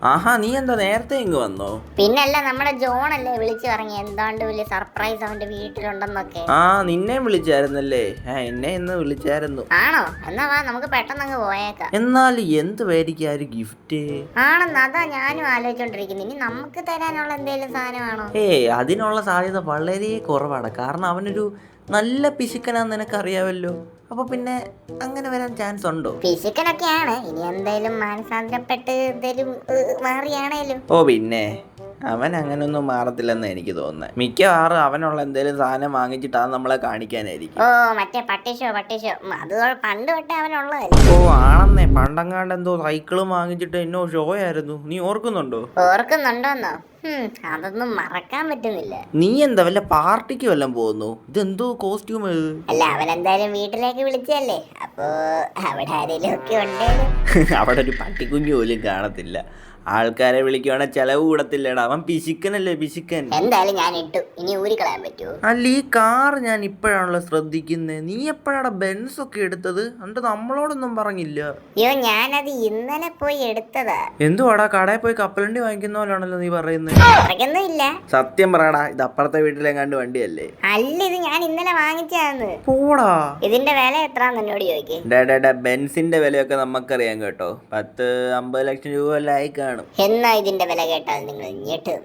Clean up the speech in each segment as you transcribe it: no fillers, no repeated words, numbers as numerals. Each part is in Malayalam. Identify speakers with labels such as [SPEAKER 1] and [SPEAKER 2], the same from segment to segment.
[SPEAKER 1] ആഹാ, നീ എന്താ നേരത്തെ ഇങ്ങ് വന്നോ?
[SPEAKER 2] പിന്നല്ല, നമ്മുടെ ജോണല്ലേ വിളിച്ചു പറഞ്ഞു എന്താണ്ട് വലിയ സർപ്രൈസ് അവന്റെ വീട്ടിലുണ്ടെന്നൊക്കെ.
[SPEAKER 1] ആ, നിന്നെ വിളിച്ചായിരുന്നല്ലേ? എന്നെ ഇന്ന് വിളിച്ചായിരുന്നു.
[SPEAKER 2] ആണോ? എന്നാ വാ, നമുക്ക് പെട്ടെന്ന് അങ്ങ് പോയേക്കാം.
[SPEAKER 1] എന്നാൽ എന്ത് പേടിക്കാ ഒരു ഗിഫ്റ്റ്
[SPEAKER 2] ആണെന്ന് അതാ ഞാനും ആലോചിച്ചോണ്ടിരിക്കുന്നു. ഇനി നമുക്ക് തരാനുള്ള എന്തെങ്കിലും സാധനമാണോ?
[SPEAKER 1] അതിനുള്ള സാധ്യത വളരെ കുറവാണ്. കാരണം അവനൊരു നല്ല പിശുക്കനാന്ന് നിനക്കറിയാവല്ലോ. അപ്പൊ പിന്നെ അങ്ങനെ വരാൻ ചാൻസ് ഉണ്ടോ?
[SPEAKER 2] പിശുക്കനൊക്കെയാണ്. ഇനി എന്തായാലും മാനസാന്തരപ്പെട്ട് എന്തേലും മാറിയാണേലും.
[SPEAKER 1] പിന്നെ അവൻ അങ്ങനൊന്നും മാറത്തില്ലെന്ന് എനിക്ക് തോന്നുന്നത്. മിക്കവാറും അവനുള്ള എന്തെങ്കിലും സാധനം വാങ്ങിച്ചിട്ട് അത് നമ്മളെ കാണിക്കാനായിരിക്കും.
[SPEAKER 2] മറ്റേ പട്ടിഷോ അത് പണ്ട് തൊട്ടേ അവനുള്ളതല്ലേ.
[SPEAKER 1] ആണെന്നേ, പണ്ടങ്ങാണ്ട് എന്തോ സൈക്കിളും വാങ്ങിച്ചിട്ട് എന്നോ ഷോ ആയിരുന്നു. നീ ഓർക്കുന്നുണ്ടോ?
[SPEAKER 2] ഓർക്കുന്നുണ്ടോന്നോ? അതൊന്നും മറക്കാൻ പറ്റുന്നില്ല.
[SPEAKER 1] നീ എന്താ വല്ല പാർട്ടിക്ക് വല്ലതും പോകുന്നു? ഇതെന്തോ കോസ്റ്റ്യൂം?
[SPEAKER 2] അല്ല, അവനെന്തായാലും വീട്ടിലേക്ക് വിളിച്ചല്ലേ, അപ്പോ അവിടെ ആരെങ്കിലും ഒക്കെ ഉണ്ടേലും.
[SPEAKER 1] അവിടെ ഒരു പട്ടിക്കുഞ്ഞു പോലും കാണത്തില്ല. ആൾക്കാരെ വിളിക്കുവാണെങ്കിൽ ചെലവ് കൂടത്തില്ലടാ. അവൻ പിശുക്കനല്ലേ, പിശുക്കൻ.
[SPEAKER 2] എന്തായാലും ഞാൻ ഇട്ടു, ഇനി ഊരിക്കളയാൻ പറ്റുമോ?
[SPEAKER 1] അല്ല, ഈ കാർ ഞാൻ ഇപ്പോഴാണല്ലോ ശ്രദ്ധിക്കുന്നത്. നീ എപ്പോഴാണ് ബെൻസ് ഒക്കെ എടുത്തത്? എന്നിട്ട് നമ്മളോടൊന്നും പറഞ്ഞില്ല.
[SPEAKER 2] അയ്യോ, ഞാനത് ഇന്നലെ പോയി എടുത്തതാ.
[SPEAKER 1] എന്തുവാടാ, കടയിൽ പോയി കപ്പലണ്ടി വാങ്ങിക്കുന്ന പോലാണല്ലോ നീ പറയുന്നത്.
[SPEAKER 2] ഇല്ല,
[SPEAKER 1] സത്യം പറയടാ, ഇത് അപ്പുറത്തെ വീട്ടിലെങ്ങാണ്ട് വണ്ടിയല്ലേ?
[SPEAKER 2] അല്ല, ഇത് ഞാൻ ഇന്നലെ വാങ്ങിച്ചാന്ന്.
[SPEAKER 1] പോടാ,
[SPEAKER 2] ഇതിന്റെ വില എത്രാന്ന് എന്നോട് ചോദിക്കേ.
[SPEAKER 1] ബെൻസിന്റെ വിലയൊക്കെ നമുക്കറിയാം കേട്ടോ. 10-50 ലക്ഷം രൂപ എല്ലാം ആയി കാണും.
[SPEAKER 2] എന്നാ ഇതിന്റെ വില കേട്ടാൽ നിങ്ങൾ ഞെട്ടും.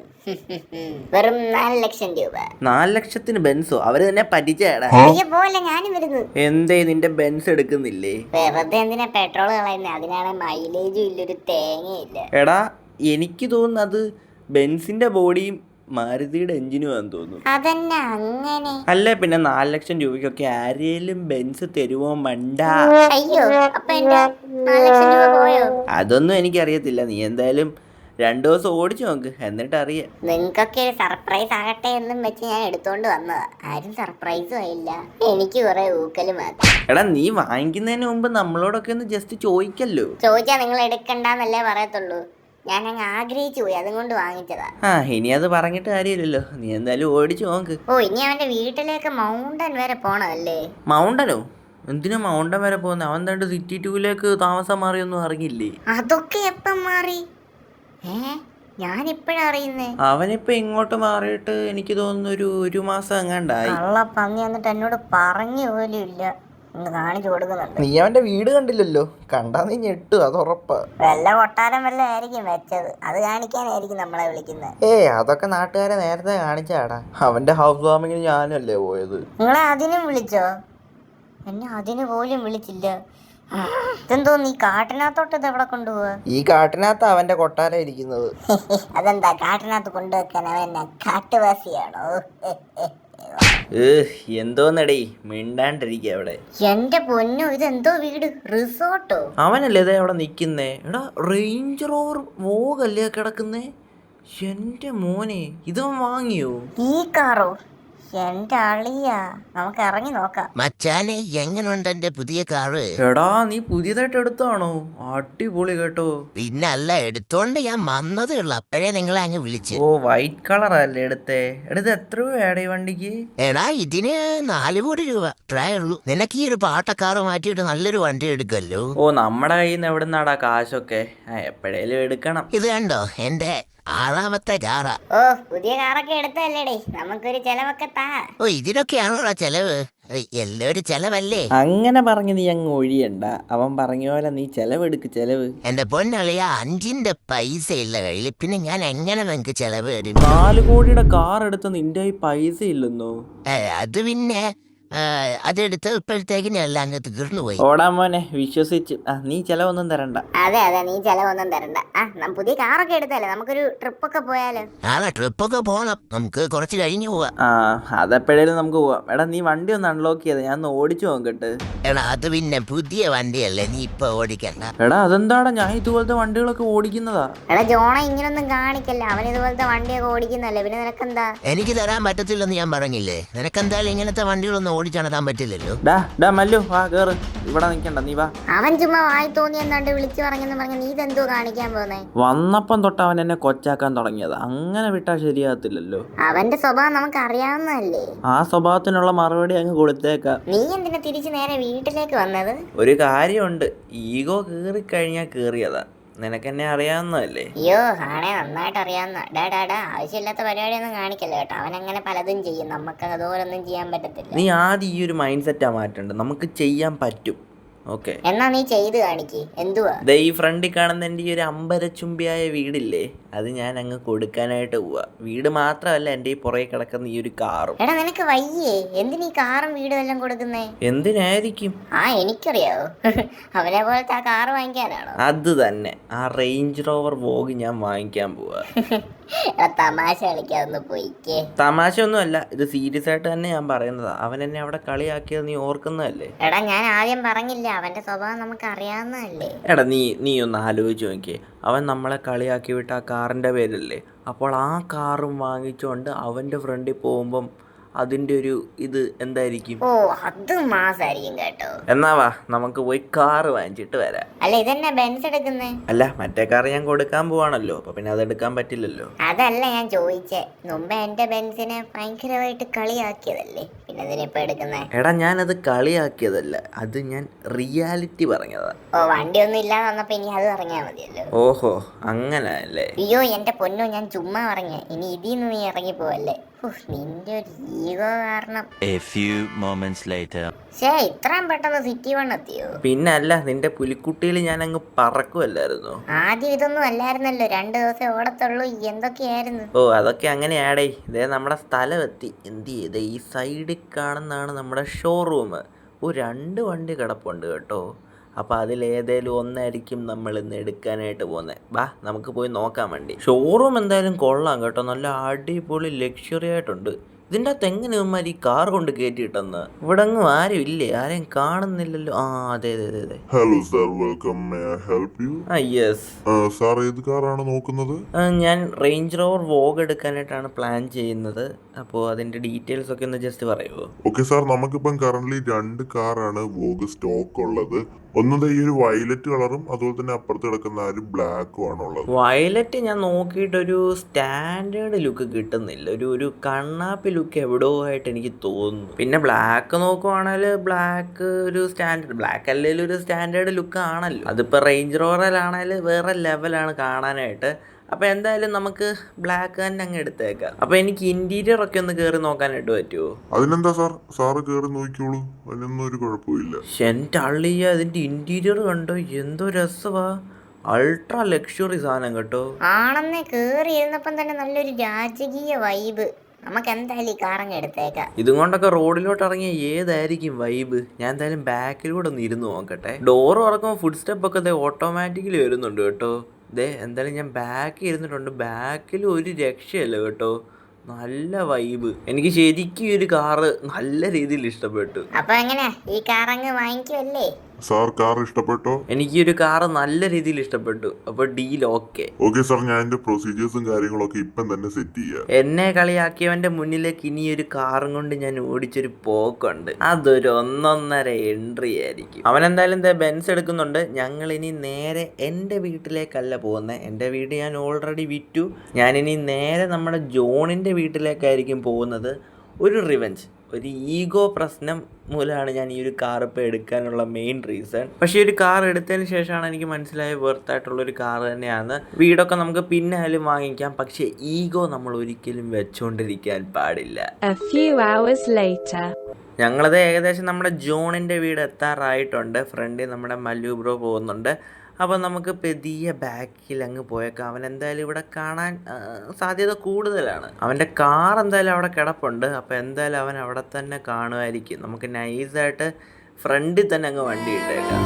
[SPEAKER 2] വെറും 4 ലക്ഷം രൂപ.
[SPEAKER 1] 4 ലക്ഷത്തിന് ബെൻസോ? അവര് തന്നെ പറ്റിച്ചേടാ.
[SPEAKER 2] പോലെ ഞാനും വരുന്നു.
[SPEAKER 1] എന്തേ നിന്റെ ബെൻസ് എടുക്കുന്നില്ലേ?
[SPEAKER 2] വെറുതെ എന്തിനാ പെട്രോൾ കളയുന്നത്? അതിനാണ് മൈലേജും ഇല്ലൊരു തേങ്ങയില്ല.
[SPEAKER 1] എടാ, എനിക്ക് തോന്നുന്നത് ബെൻസിന്റെ ബോഡിയും മാരുതിയുടെ എഞ്ചിനും ആണെന്ന് തോന്നുന്നു.
[SPEAKER 2] അതന്നെ അങ്ങനെ.
[SPEAKER 1] അല്ലേ പിന്നെ 4 ലക്ഷം രൂപയ്ക്കൊക്കെ ആരെയും ബെൻസ് തരുവോ മണ്ട?
[SPEAKER 2] അയ്യോ, അപ്പൊ എന്റെ 4 ലക്ഷം രൂപ പോയോ?
[SPEAKER 1] അതൊന്നും എനിക്കറിയത്തില്ല. നീ എന്തായാലും 2 ദിവസം ഓടിച്ചു നോക്ക്, എന്നിട്ട് അറിയാം.
[SPEAKER 2] നിങ്ങൾക്കൊക്കെ സർപ്രൈസ് ആകട്ടെ എന്നും വെച്ച് ഞാൻ എടുത്തോണ്ട് വന്നതാ. ആരും സർപ്രൈസും ആയില്ല, എനിക്ക് കുറെ ഊക്കല് മാത്രം.
[SPEAKER 1] എടാ, നീ വാങ്ങിക്കുന്നതിന് മുമ്പ് നമ്മളോടൊക്കെ ഒന്ന് ജസ്റ്റ് ചോദിക്കല്ലോ.
[SPEAKER 2] ചോദിച്ചാ നിങ്ങൾ എടുക്കണ്ടെന്നല്ലേ പറയത്തുള്ളൂ. ഞാൻ അങ്ങ് ആഗ്രഹിച്ചു പോയി, അതുകൊണ്ട് വാങ്ങിച്ചതാ.
[SPEAKER 1] ഇനി അത് പറഞ്ഞിട്ട് കാര്യമില്ലല്ലോ. നീ എന്തായാലും ഓടിച്ചു നോക്ക്.
[SPEAKER 2] ഇനി അവന്റെ വീട്ടിലേക്ക് മൗണ്ടൻ വരെ പോണല്ലേ?
[SPEAKER 1] മൗണ്ടനോ? എന്തിനാ മൗണ്ടൻ വരെ പോകുന്നത്? അവൻ തണ്ട് സിറ്റി 2ലേക്ക് താമസം മാറിയൊന്നും അറിഞ്ഞില്ലേ?
[SPEAKER 2] അതൊക്കെ എപ്പം മാറി? ഞാനിപ്പഴാ അറിയുന്നേ.
[SPEAKER 1] അവനിപ്പോ ഇങ്ങോട്ട് മാറിയിട്ട് എനിക്ക് തോന്നുന്നു ഒരു മാസം എങ്ങാണ്ടായി.
[SPEAKER 2] പന്നി എന്നിട്ട് എന്നോട് പറഞ്ഞു പോലും ഇല്ല. കാണിച്ചു കൊടുക്കുന്നുണ്ട്.
[SPEAKER 1] നീ അവന്റെ വീട് കണ്ടില്ലല്ലോ? കണ്ടാ നീ ഞെട്ടു, അത് ഉറപ്പാ.
[SPEAKER 2] വല്ല കൊട്ടാരം വല്ല ആയിരിക്കും വെച്ചത്, അത് കാണിക്കാനായിരിക്കും നമ്മളെ വിളിക്കുന്നത്.
[SPEAKER 1] അതൊക്കെ നാട്ടുകാരെ നേരത്തെ കാണിച്ചാടാ. അവന്റെ ഹൗസ് വാമിങ്ങിന് ഞാനല്ലേ പോയത്.
[SPEAKER 2] നിങ്ങളെ അതിനും വിളിച്ചോ? എന്നെ അതിന് പോലും വിളിച്ചില്ല. ഇതെന്തോ നീ കാട്ടിനകത്തോട്ട് ഇത് എവിടെ കൊണ്ടുപോവാ?
[SPEAKER 1] ഈ കാട്ടിനകത്ത് അവന്റെ കൊട്ടാരം ഇരിക്കുന്നത്.
[SPEAKER 2] അതെന്താ കാട്ടിനകത്ത് കൊണ്ടുവെക്കാൻ അവൻ കാട്ടുവാസിയാണോ?
[SPEAKER 1] എന്തോന്നടേ മിണ്ടാണ്ടിരിക്കുക അവിടെ.
[SPEAKER 2] എന്റെ പൊന്നു, ഇതെന്തോ വീട്? റിസോർട്ടോ?
[SPEAKER 1] അവനല്ലേ ഇതേ അവിടെ നിക്കുന്നേ. എടാ, റേഞ്ച് റോവർ വോഗല്ലേ കിടക്കുന്നേ? എന്റെ മോനെ, ഇതവൻ വാങ്ങിയോ
[SPEAKER 2] ഈ കാറോ? എന്റെ അളിയാ, നമുക്ക് ഇറങ്ങി നോക്കാം.
[SPEAKER 3] മച്ചാനെ, എങ്ങനെയുണ്ട് എന്റെ പുതിയ കാറ്?
[SPEAKER 1] എടാ, നീ പുതിയതായിട്ട് എടുത്താണോ? അടിപൊളി കേട്ടോ.
[SPEAKER 3] പിന്നല്ല, എടുത്തോണ്ട് ഞാൻ വന്നതേ ഉള്ളു, അപ്പോഴേ നിങ്ങളെ അങ്ങ് വിളിച്ചു.
[SPEAKER 1] വൈറ്റ് കളർ അല്ലേ എടുത്തേ? എടുത്ത് എത്ര രൂപയാടേ വണ്ടിക്ക്?
[SPEAKER 3] എടാ, ഇതിന് 4 കോടി രൂപ ട്രൈ ഉള്ളൂ. നിനക്ക് ഈ ഒരു പാട്ടക്കാറ് മാറ്റിയിട്ട് നല്ലൊരു വണ്ടി എടുക്കല്ലോ.
[SPEAKER 1] നമ്മുടെ കയ്യിൽ നിന്ന് എവിടുന്നാടാ കാശൊക്കെ? എപ്പോഴേലും എടുക്കണം.
[SPEAKER 3] ഇത് കണ്ടോ, എന്റെ 6ാമത്തെ കാറാ.
[SPEAKER 2] പുതിയ കാറൊക്കെ എടുത്തല്ലേടേ, നമുക്കൊരു ചെലവൊക്കെ താ.
[SPEAKER 3] ഇതിനൊക്കെയാണോടാ ചെലവ്? എല്ലാവരും ചെലവല്ലേ?
[SPEAKER 1] അങ്ങനെ പറഞ്ഞ് നീ അങ്ങ് ഒഴിയണ്ട. അവൻ പറഞ്ഞ പോലെ നീ ചെലവെടുക്ക്, ചെലവ്.
[SPEAKER 3] എന്റെ പൊന്നളിയ, 5ന്റെ പൈസ ഇല്ല കയ്യിൽ, പിന്നെ ഞാൻ എങ്ങനെ നിനക്ക് ചെലവ് തരും?
[SPEAKER 1] 4 കോടിയുടെ കാർ എടുത്ത് നിന്റെ പൈസ ഇല്ലെന്നോ?
[SPEAKER 3] അത് പിന്നെ അതെടുത്ത് ഇപ്പോഴത്തേക്ക് എല്ലാം അങ്ങ് തീർന്നു പോയി.
[SPEAKER 1] ഓടാ മോനെ, വിശ്വസിച്ചു. നീ ചെലവൊന്നും തരണ്ട.
[SPEAKER 2] അതെ, നീ ചെലവൊന്നും തരണ്ട. പുതിയ കാറൊക്കെ എടുത്തല്ലേ, നമുക്കൊരു ട്രിപ്പൊക്കെ പോയാലോ?
[SPEAKER 3] ട്രിപ്പൊക്കെ പോണം, നമുക്ക് കുറച്ച് കഴിഞ്ഞു പോവാം.
[SPEAKER 1] അതെപ്പോഴേലും നമുക്ക് പോവാം. എടാ, നീ വണ്ടി ഒന്ന് അൺലോക്ക് ചെയ്ത് ഞാൻ ഒന്ന് ഓടിച്ചു നോക്കട്ടെ.
[SPEAKER 3] എടാ, അത് പിന്നെ പുതിയ വണ്ടിയല്ലേ, നീ ഇപ്പൊ ഓടിക്കണ്ട.
[SPEAKER 1] എടാ, അതെന്താടാ, ഞാൻ ഇതുപോലത്തെ വണ്ടികളൊക്കെ ഓടിക്കുന്നതാ.
[SPEAKER 2] എടാ ജോണ, ഇങ്ങനൊന്നും കാണിക്കല്ല. അവൻ ഇതുപോലത്തെ വണ്ടിയൊക്കെ ഓടിക്കുന്നല്ലേ, പിന്നെ നിനക്കെന്താ?
[SPEAKER 3] എനിക്ക് തരാൻ പറ്റത്തില്ലെന്ന് ഞാൻ പറഞ്ഞില്ലേ. നിനക്കെന്തായാലും ഇങ്ങനത്തെ വണ്ടികളൊന്നും ഓടിച്ചണതാൻ പറ്റില്ലല്ലോ.
[SPEAKER 1] മല്ലു, വാ കേറ്. ഇവിടെ നിക്കണ്ട, നീ വാ.
[SPEAKER 2] അവൻ ചുമ്മാ വായി തോന്നി എന്താണ്ട് വിളിച്ചു പറഞ്ഞെന്ന് പറഞ്ഞ നീ ഇതെന്തോ കാണിക്കാൻ പോന്നേ?
[SPEAKER 1] വന്നപ്പം തൊട്ട് അവൻ എന്നെ കൊച്ചാക്കാൻ തുടങ്ങിയത്. അങ്ങനെ വിട്ടാ ശരിയാകത്തില്ലല്ലോ.
[SPEAKER 2] അവന്റെ സ്വഭാവം നമുക്ക് അറിയാവുന്നതല്ലേ.
[SPEAKER 1] ആ സ്വഭാവത്തിനുള്ള മറുപടി അങ്ങ് കൊടുത്തേക്കാം.
[SPEAKER 2] നീ എന്തിനാ തിരിച്ചു നേരെ വീട്ടിലേക്ക് വന്നത്?
[SPEAKER 1] ഒരു കാര്യമുണ്ട്, ഈഗോ കേറിക്കഴിഞ്ഞാൽ കേറിയതാ. നിനക്കെന്നെ അറിയാവുന്നതല്ലേ.
[SPEAKER 2] അയ്യോ ആണേ നന്നായിട്ട് അറിയാവുന്ന. ഡാ ആവശ്യമില്ലാത്ത പരിപാടിയൊന്നും കാണിക്കല്ലോ കേട്ടോ. അവനങ്ങനെ പലതും ചെയ്യും, നമുക്ക് അതുപോലൊന്നും ചെയ്യാൻ പറ്റത്തില്ല.
[SPEAKER 1] നീ ആദ്യം ഈ ഒരു മൈൻഡ് സെറ്റാ മാറ്റേണ്ടത്. നമുക്ക് ചെയ്യാൻ പറ്റും. ഓക്കെ,
[SPEAKER 2] എന്നാ നീ ചെയ്ത് കാണിക്ക്. എന്തുവാ?
[SPEAKER 1] ദേ ഈ ഫ്രണ്ടിൽ കാണുന്ന എൻ്റെ ഈ ഒരു അമ്പരച്ചുംബിയായ വീടില്ലേ, അത് ഞാൻ അങ്ങ് കൊടുക്കാനായിട്ട് പോവാ. വീട് മാത്രമല്ല, എൻ്റെ ഈ പുറകെ കിടക്കുന്ന ഈ ഒരു കാറും.
[SPEAKER 2] എടാ നിനക്ക് വയ്യേ? എന്തിനീ കാറും വീടും എല്ലാം കൊടുക്കുന്നേ?
[SPEAKER 1] എന്തിനായിരിക്കും?
[SPEAKER 2] എനിക്കറിയാവോ. അവനെ പോലത്തെ ആ കാറ് വാങ്ങിക്കാനാണോ?
[SPEAKER 1] അത് തന്നെ, ആ റേഞ്ച് റോവർ വോഗ് ഞാൻ വാങ്ങിക്കാൻ പോവാ.
[SPEAKER 2] തമാശ കളിക്കാതൊന്ന് പോയിക്കേ.
[SPEAKER 1] തമാശ ഒന്നുമല്ല, ഇത് സീരിയസ് ആയിട്ട് തന്നെ ഞാൻ പറയുന്നതാ. അവൻ എന്നെ അവിടെ കളിയാക്കിയത് നീ ഓർക്കുന്നതല്ലേ?
[SPEAKER 2] എടാ ഞാൻ ആദ്യം പറഞ്ഞില്ല, അവന്റെ സ്വഭാവം നമുക്ക് അറിയാവുന്നതല്ലേ.
[SPEAKER 1] എടാ നീ ഒന്ന് ആലോചിച്ച് നോക്കിയേ. അവൻ നമ്മളെ കളിയാക്കി വിട്ട ആ കാറിൻ്റെ പേരല്ലേ. അപ്പോൾ ആ കാറും വാങ്ങിച്ചുകൊണ്ട് അവൻ്റെ ഫ്രണ്ടിൽ പോകുമ്പം അതിൻ്റെ ഒരു ഇത് എന്തായിരിക്കും?
[SPEAKER 2] ഓ അത് മാസായിരിക്കും കേട്ടോ.
[SPEAKER 1] എന്നാ വാ നമുക്ക് പോയി കാറ് വാങ്ങിച്ചിട്ട് വരാം.
[SPEAKER 2] അല്ല ഇതെന്നെ ബെൻസ് എടുക്കുന്നേ?
[SPEAKER 1] അല്ല, മറ്റേ കാറ് ഞാൻ കൊടുക്കാൻ പോവാണല്ലോ, അപ്പൊ പിന്നെ അതെടുക്കാൻ പറ്റില്ലല്ലോ.
[SPEAKER 2] അതല്ല ഞാൻ ചോദിച്ചേ, മുമ്പ് എന്റെ ബെൻസിനെ ഭയങ്കരമായിട്ട് കളിയാക്കിയതല്ലേ, പിന്നെ ഇതിനിപ്പോ എടുക്കുന്നേ?
[SPEAKER 1] എടാ ഞാനത് കളിയാക്കിയതല്ല, അത് ഞാൻ റിയാലിറ്റി പറഞ്ഞതാ.
[SPEAKER 2] ഓ വണ്ടി ഒന്നും ഇല്ലാതെ വന്നപ്പോ ഇനി അത് പറഞ്ഞാ മതിയല്ലോ.
[SPEAKER 1] ഓഹോ അങ്ങനെ അല്ലേ?
[SPEAKER 2] അയ്യോ എന്റെ പൊന്നോ, ഞാൻ ചുമ്മാ പറഞ്ഞ. ഇനി ഇതിന്ന് നീ ഇറങ്ങി പോവല്ലേ. നിന്റെ ഒരു ഈഗോ കാരണം.
[SPEAKER 4] A few moments later.
[SPEAKER 2] ഇത്രയും പെട്ടെന്ന് സിറ്റി വൺ എത്തിയോ?
[SPEAKER 1] പിന്നെ അല്ല, നിന്റെ പുലിക്കുട്ടിയിൽ ഞാൻ അങ്ങ് പറക്കുമല്ലായിരുന്നു.
[SPEAKER 2] ആദ്യം ഇതൊന്നും അല്ലായിരുന്നല്ലോ, 2 ദിവസം ഓടത്തുള്ളൂ. എന്തൊക്കെയായിരുന്നു?
[SPEAKER 1] ഓ അതൊക്കെ അങ്ങനെയാടേ. ഇതേ നമ്മുടെ സ്ഥലം എത്തി. എന്ത് ചെയ്തേ, ഈ സൈഡിൽ കാണുന്നതാണ് നമ്മുടെ ഷോറൂം. 2 വണ്ടി കിടപ്പുണ്ട് കേട്ടോ. അപ്പോൾ അതിലേതേലും ഒന്നായിരിക്കും നമ്മൾ ഇന്ന് എടുക്കാനായിട്ട് പോകുന്നത്. വാ നമുക്ക് പോയി നോക്കാൻ വേണ്ടി. ഷോറൂം എന്തായാലും കൊള്ളാം കേട്ടോ, നല്ല അടിപൊളി ലക്ഷറി ആയിട്ടുണ്ട്. ഇതിൻ്റെ അകത്ത് എങ്ങനെ ഇവന്മാർ ഈ കാർ കൊണ്ട് കയറ്റിയിട്ടെന്ന്? ഇവിടെ അങ്ങും ആരും ഇല്ലേ? ആരെയും കാണുന്നില്ലല്ലോ. അതെ.
[SPEAKER 5] Hello sir, welcome. May I help you?
[SPEAKER 1] Yes
[SPEAKER 5] sir, ഏത് കാറാണ് നോക്കുന്നത്?
[SPEAKER 1] ഞാൻ റേഞ്ച് റോവർ വോഗ് എടുക്കാനായിട്ടാണ് പ്ലാൻ ചെയ്യുന്നത്. അപ്പോൾ അതിൻ്റെ ഡീറ്റെയിൽസ് ഒക്കെ ഒന്ന് ജസ്റ്റ് പറയുമോ?
[SPEAKER 5] ഓക്കെ സാർ, നമുക്കിപ്പം കറന്റ് 2 കാറാണ് വോഗ് സ്റ്റോക്ക് ഉള്ളത്. ഒന്നത് ഈ ഒരു വയലറ്റ് കളറും അതുപോലെ തന്നെ അപ്പുറത്ത് കിടക്കുന്ന ഒരു ബ്ലാക്കും ആണുള്ളത്.
[SPEAKER 1] വയലറ്റ് ഞാൻ നോക്കിയിട്ടൊരു സ്റ്റാൻഡേർഡ് ലുക്ക് കിട്ടുന്നില്ല. ഒരു കണ്ണാപ്പി ലുക്ക് എവിടെയോ ആയിട്ട് എനിക്ക് തോന്നുന്നു. പിന്നെ ബ്ലാക്ക് നോക്കുവാണെങ്കിൽ ബ്ലാക്ക് ഒരു സ്റ്റാൻഡേർഡ്, ബ്ലാക്ക് അല്ലെങ്കിൽ ഒരു സ്റ്റാൻഡേർഡ് ലുക്ക് ആണല്ലോ. അതിപ്പോൾ റേഞ്ച് റോവറിലാണെങ്കിൽ വേറെ ലെവലാണ് കാണാനായിട്ട്. അപ്പോൾ എന്തായാലും നമുക്ക് ബ്ലാക്ക് തന്നെ അങ്ങ് എടുത്തേക്കാം. അപ്പോൾ എനിക്ക് ഇൻറ്റീരിയർ ഒക്കെ ഒന്ന് കയറി നോക്കാനായിട്ട് പറ്റുമോ?
[SPEAKER 5] അതിനെന്താ സാർ, സാറ് കയറി നോക്കിയോളൂ, അതിനൊന്നും ഒരു കുഴപ്പമില്ല.
[SPEAKER 1] എൻ്റെ അള്ളിയ അതിൻ്റെ ഇൻറ്റീരിയർ കണ്ടോ, എന്തോ രസമാ. അൾട്രാ ലക്ഷറി സാധനം കേട്ടോ.
[SPEAKER 2] ആണെന്നേ, കേറി ഇരുന്നപ്പം തന്നെ നല്ലൊരു രാജകീയ വൈബ്. നമുക്ക് എന്തായാലും ഈ കാറങ്ങ് എടുത്തേക്കാം.
[SPEAKER 1] ഇതും കൊണ്ടൊക്കെ റോഡിലോട്ട് ഇറങ്ങിയ ഏതായിരിക്കും വൈബ്? ഞാൻ എന്തായാലും ബാക്കിലൂടെ ഒന്ന് ഇരുന്ന് നോക്കട്ടെ. ഡോറ് തുറക്കുമ്പോൾ ഫുഡ് സ്റ്റെപ്പ് ഒക്കെ ഓട്ടോമാറ്റിക്കലി വരുന്നുണ്ട് കേട്ടോ. എന്തായാലും ഞാൻ ബാക്കിൽ ഇരുന്നിട്ടുണ്ട്. ബാക്കിൽ ഒരു രക്ഷയല്ല കേട്ടോ, നല്ല വൈബ്. എനിക്ക് ശരിക്കും ഈ ഒരു കാറ് നല്ല രീതിയിൽ ഇഷ്ടപ്പെട്ടു.
[SPEAKER 2] അപ്പൊ എങ്ങനെയാ, ഈ കാറങ്ങ് വാങ്ങിക്കുമല്ലേ?
[SPEAKER 5] സാർ, കാർ ഇഷ്ടപ്പെട്ടോ?
[SPEAKER 1] എനിക്ക് ഈ ഒരു കാറ് നല്ല രീതിയിൽ ഇഷ്ടപ്പെട്ടു. അപ്പോൾ ഡീൽ ഓക്കെ.
[SPEAKER 5] ഓക്കെ സാർ, ഞാൻ എൻ്റെ പ്രൊസീജിയേഴ്സും കാര്യങ്ങളൊക്കെ ഇപ്പം തന്നെ സെറ്റ് ചെയ്യാം.
[SPEAKER 1] എന്നെ കളിയാക്കിയവൻ്റെ മുന്നിലേക്ക് ഇനി ഒരു കാറും കൊണ്ട് ഞാൻ ഓടിച്ചൊരു പോക്കുണ്ട്. അതൊരു 1.5 എൻട്രി ആയിരിക്കും. അവനെന്തായാലും ബെൻസ് എടുക്കുന്നുണ്ട്. ഞങ്ങൾ ഇനി നേരെ എൻ്റെ വീട്ടിലേക്കല്ല പോകുന്നത്. എൻ്റെ വീട് ഞാൻ ഓൾറെഡി വിറ്റു. ഞാനിനി നേരെ നമ്മുടെ ജോണിൻ്റെ വീട്ടിലേക്കായിരിക്കും പോകുന്നത്. ഒരു റിവെഞ്ച്, ഒരു ഈഗോ പ്രശ്നം മൂലമാണ് ഞാൻ ഈ ഒരു കാർ ഇപ്പോൾ എടുക്കാനുള്ള മെയിൻ റീസൺ. പക്ഷേ ഈ ഒരു കാർ എടുത്തതിന് ശേഷമാണ് എനിക്ക് മനസ്സിലായ വെർത്തായിട്ടുള്ളൊരു കാർ തന്നെയാണ്. വീടൊക്കെ നമുക്ക് പിന്നാലും വാങ്ങിക്കാം, പക്ഷേ ഈഗോ നമ്മൾ ഒരിക്കലും വെച്ചുകൊണ്ടിരിക്കാൻ പാടില്ല. ഞങ്ങളത് ഏകദേശം നമ്മുടെ ജോണിൻ്റെ വീട് എത്താറായിട്ടുണ്ട്. ഫ്രണ്ടിൽ നമ്മുടെ മല്ലു ബ്രോ പോകുന്നുണ്ട്. അപ്പോൾ നമുക്ക് പെതിയെ ബാക്കിൽ അങ്ങ് പോയേക്കാം. അവൻ എന്തായാലും ഇവിടെ കാണാൻ സാധ്യത കൂടുതലാണ്. അവൻ്റെ കാർ എന്തായാലും അവിടെ കിടപ്പുണ്ട്. അപ്പോൾ എന്തായാലും അവൻ അവിടെ തന്നെ കാണുമായിരിക്കും. നമുക്ക് നൈസായിട്ട് ഫ്രണ്ടിൽ തന്നെ അങ്ങ് വണ്ടി ഇട്ടേക്കാം.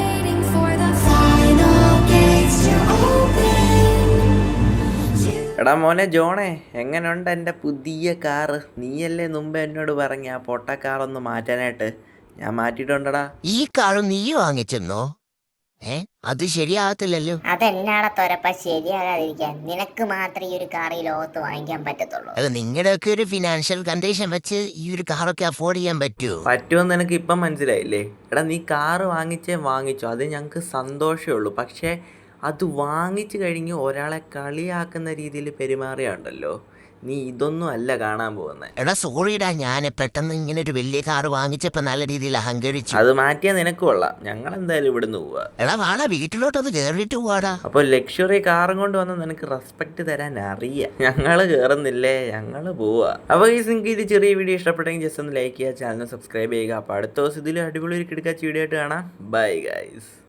[SPEAKER 1] എടാ മോനെ ജോണേ, എങ്ങനെയുണ്ട് എൻ്റെ പുതിയ കാറ്? നീയല്ലേ മുമ്പ് എന്നോട് പറഞ്ഞ ആ പൊട്ട കാറൊന്ന് മാറ്റാനായിട്ട്? ഞാൻ മാറ്റിയിട്ടുണ്ടടാ.
[SPEAKER 3] ഈ കാറ് നീ വാങ്ങിച്ചെന്നോ? അത് ശരിയാകത്തില്ലല്ലോ.
[SPEAKER 2] അതെന്നാടെ തൊരപ്പ ശരിയാകാതിരിക്കാൻ? നിനക്ക് മാത്രമേ ഈ ഒരു കാർ ഈ ലോകത്ത് വാങ്ങിക്കാൻ പറ്റത്തുള്ളൂ.
[SPEAKER 3] അത് നിങ്ങളുടെയൊക്കെ ഒരു ഫിനാൻഷ്യൽ കണ്ടീഷൻ വെച്ച് ഈ ഒരു കാറൊക്കെ അഫോർഡ് ചെയ്യാൻ
[SPEAKER 1] പറ്റുമെന്ന് എനിക്ക് ഇപ്പം മനസ്സിലായില്ലേ? എടാ നീ കാറ് വാങ്ങിച്ചോ, അത് ഞങ്ങൾക്ക് സന്തോഷമേ ഉള്ളൂ. പക്ഷേ അത് വാങ്ങിച്ചു കഴിഞ്ഞ് ഒരാളെ കളിയാക്കുന്ന രീതിയിൽ പെരുമാറിയുണ്ടല്ലോ, നീ ഇതൊന്നും അല്ല കാണാൻ പോകുന്നത്.
[SPEAKER 3] എടാ സോറിടാ, ഞാൻ പെട്ടെന്ന് ഇങ്ങനെ ഒരു വലിയ കാറ് വാങ്ങിച്ചപ്പോ നല്ല രീതിയിൽ അഹങ്കരിച്ചു.
[SPEAKER 1] അത് മാറ്റിയാൽ നിനക്ക് കൊള്ളാം. ഞങ്ങൾ എന്തായാലും ഇവിടുന്ന് പോവാ.
[SPEAKER 3] എടാ വാടാ, വീട്ടിലോട്ടൊന്ന് കേറിയിട്ട് പോവാടാ.
[SPEAKER 1] അപ്പോൾ ലക്ഷറി കാറും കൊണ്ട് വന്ന് നിനക്ക് റെസ്പെക്ട് തരാൻ അറിയാം. ഞങ്ങൾ കയറുന്നില്ലേ, ഞങ്ങൾ പോവാ. അപ്പോൾ ഈ നിങ്ങൾക്ക് ഇത് ചെറിയ വീഡിയോ ഇഷ്ടപ്പെട്ടെങ്കിൽ ജസ്റ്റ് ഒന്ന് ലൈക്ക് ചെയ്യുക, ചാനൽ സബ്സ്ക്രൈബ് ചെയ്യുക. അപ്പോൾ അടുത്ത ദിവസം ഇതിൽ അടിപൊളി ഒരു കിടക്കാച്ച വീഡിയോ ആയിട്ട് കാണാം. Bye guys.